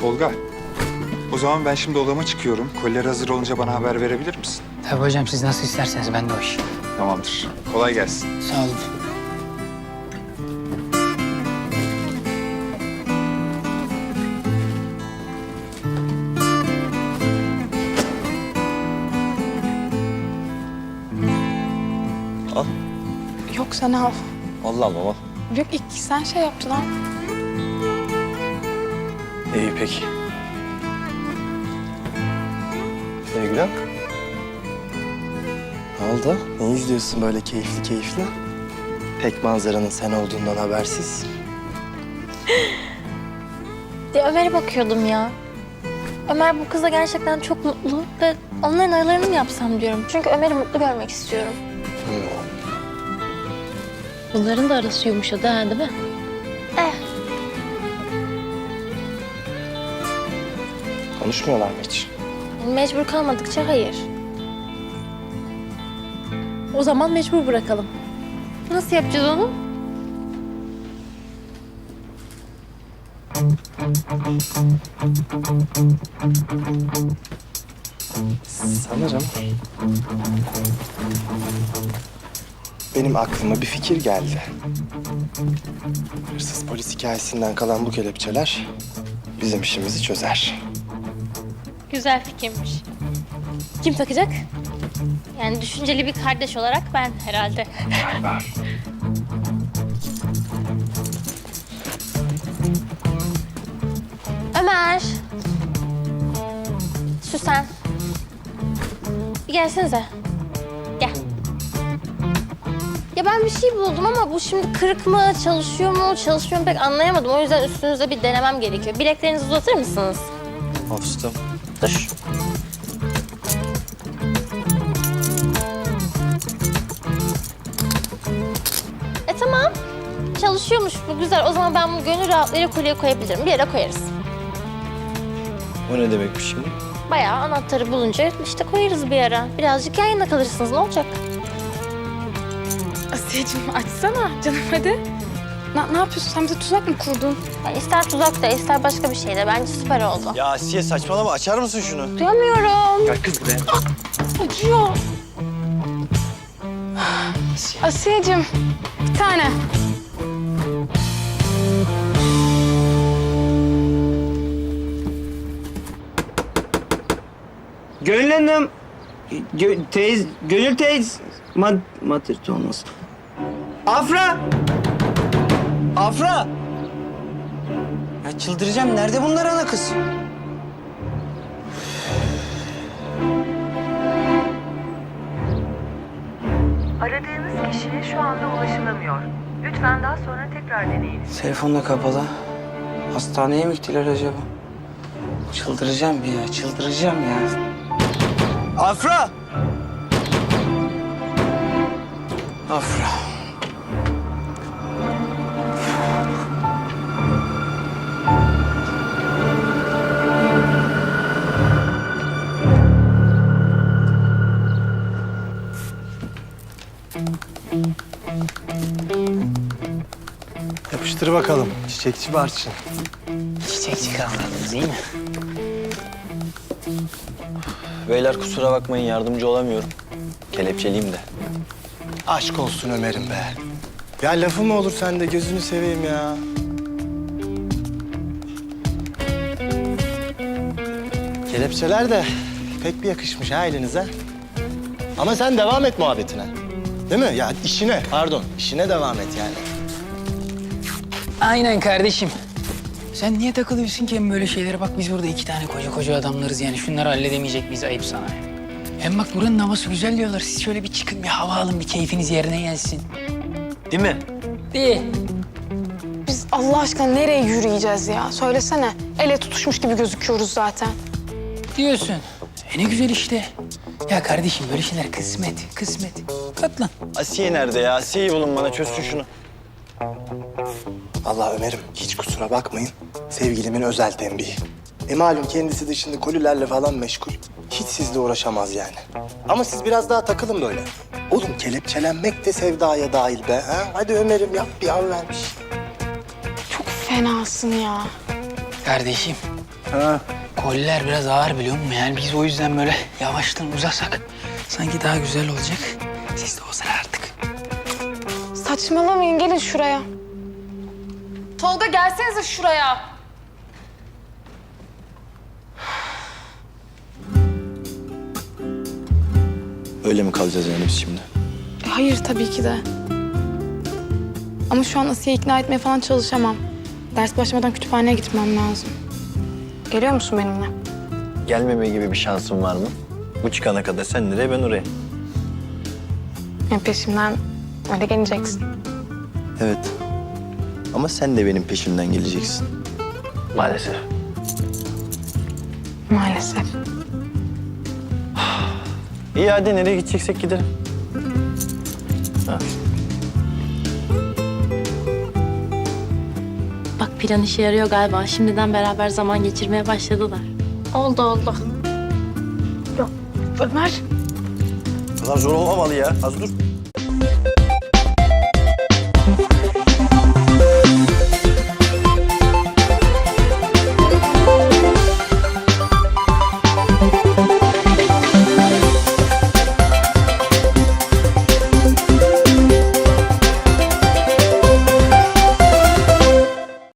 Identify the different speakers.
Speaker 1: Tolga, o zaman ben şimdi odama çıkıyorum. Koliler hazır olunca bana haber verebilir misin?
Speaker 2: Tabii hocam, siz nasıl isterseniz, ben de o iş.
Speaker 1: Tamamdır. Kolay gelsin.
Speaker 2: Sağ olun.
Speaker 3: Yok sen al.
Speaker 4: Allah Allah.
Speaker 3: Yok ilk sen şey yaptın al.
Speaker 4: İyi peki. Sevgilim. Ne oldu? Ne izliyorsun böyle keyifli keyifli? Tek manzaranın sen olduğundan habersiz.
Speaker 5: Ya Ömer'e bakıyordum ya. Ömer bu kızla gerçekten çok mutlu ve onların aralarını mı yapsam diyorum. Çünkü Ömer'i mutlu görmek istiyorum. Bunların da arası yumuşadı ha, değil mi?
Speaker 4: Konuşmuyorlar mı hiç?
Speaker 5: Mecbur kalmadıkça hayır. O zaman mecbur bırakalım. Nasıl yapacağız onu?
Speaker 4: Sanırım benim aklıma bir fikir geldi. Hırsız polis hikayesinden kalan bu kelepçeler bizim işimizi çözer.
Speaker 5: Güzel fikirmiş. Kim takacak? Yani düşünceli bir kardeş olarak ben herhalde.
Speaker 4: Galiba.
Speaker 5: Ömer. Süsen. Bir gelsenize. Gel. Ya ben bir şey buldum ama bu şimdi kırık mı, çalışıyor mu, çalışmıyor mu pek anlayamadım. O yüzden üstünüzde bir denemem gerekiyor. Bileklerinizi uzatır mısınız?
Speaker 4: Hafızım.
Speaker 5: Dur. Tamam. Çalışıyormuş bu, güzel. O zaman ben bunu gönül rahatlığıyla kolye koyabilirim. Bir yere koyarız.
Speaker 4: O ne demekmiş şimdi?
Speaker 5: Bayağı anahtarı bulunca işte koyarız bir yere. Birazcık yan yana kalırsınız, ne olacak?
Speaker 3: Asiyeciğim açsana canım hadi. Ne yapıyorsun? Sen bize tuzak mı kurdun?
Speaker 5: Yani ister tuzak da ister başka bir şey de bence süper oldu.
Speaker 4: Ya Asiye saçmalama, açar mısın şunu?
Speaker 5: Duyamıyorum.
Speaker 4: Gel kız buraya.
Speaker 3: Acıyor. Asiyeciğim bir tane.
Speaker 6: Gönül Hanım, Gönül teyze, matırtı olmasın. Afra! Afra! Ya çıldıracağım, nerede bunlar ana kız?
Speaker 7: Aradığınız kişiye şu anda ulaşılamıyor. Lütfen daha sonra tekrar deneyiniz.
Speaker 6: Telefon da kapalı. Hastaneye mi gittiler acaba? Çıldıracağım ya, çıldıracağım ya. Afra! Afra.
Speaker 4: Yapıştır bakalım çiçekçi Barçın.
Speaker 2: Çiçekçi kavradınız, iyi mi?
Speaker 4: Beyler kusura bakmayın, yardımcı olamıyorum. Kelepçeliyim de. Aşk olsun Ömer'im be. Ya lafı mı olur sende, gözünü seveyim ya. Kelepçeler de pek bir yakışmış ha elinize. Ama sen devam et muhabbetine. Değil mi? Ya işine, pardon, işine devam et yani.
Speaker 2: Aynen kardeşim. Sen niye takılıyorsun ki hem böyle şeylere? Bak biz burada iki tane koca adamlarız yani. Şunları halledemeyecek miyiz? Ayıp sana. Hem bak buranın havası güzel diyorlar. Siz şöyle bir çıkın, bir hava alın, bir keyfiniz yerine gelsin.
Speaker 4: Değil mi?
Speaker 2: Değil.
Speaker 3: Biz Allah aşkına nereye yürüyeceğiz ya? Söylesene. Elle tutuşmuş gibi gözüküyoruz zaten.
Speaker 2: Diyorsun. Ne güzel işte. Ya kardeşim böyle şeyler kısmet, kısmet. Katlan.
Speaker 4: Asiye nerede ya? Asiye'yi bulun bana, çözsün şunu. Vallahi Ömer'im hiç kusura bakmayın. Sevgilimin özel tembihi. Malum kendisi de şimdi kolilerle falan meşgul. Hiç sizle uğraşamaz yani. Ama siz biraz daha takılın böyle. Oğlum kelepçelenmek de sevdaya dahil be. Ha? Hadi Ömer'im yap, bir an vermiş.
Speaker 3: Çok fenasın ya.
Speaker 2: Kardeşim
Speaker 4: Ha.
Speaker 2: Koliler biraz ağır biliyor musun? Yani biz o yüzden böyle yavaştan uzasak sanki daha güzel olacak. Siz de o sıra artık.
Speaker 3: Saçmalamayın, gelin şuraya. Tolga gelsenize şuraya.
Speaker 8: Öyle mi kalacağız yani biz şimdi?
Speaker 3: Hayır tabii ki de. Ama şu an Asiye'yi ikna etmeye falan çalışamam. Ders başlamadan kütüphaneye gitmem lazım. Geliyor musun benimle?
Speaker 8: Gelmeme gibi bir şansın var mı? Bu çıkana kadar sen nereye ben oraya.
Speaker 3: Yani peşimden öyle geleceksin.
Speaker 8: Evet. Ama sen de benim peşimden geleceksin. Maalesef.
Speaker 3: Maalesef.
Speaker 8: İyi hadi nereye gideceksek gidelim. Ha.
Speaker 5: Bak plan işe yarıyor galiba. Şimdiden beraber zaman geçirmeye başladılar. Oldu oldu.
Speaker 3: Ömer.
Speaker 8: Bu kadar zor olmamalı ya. Az dur.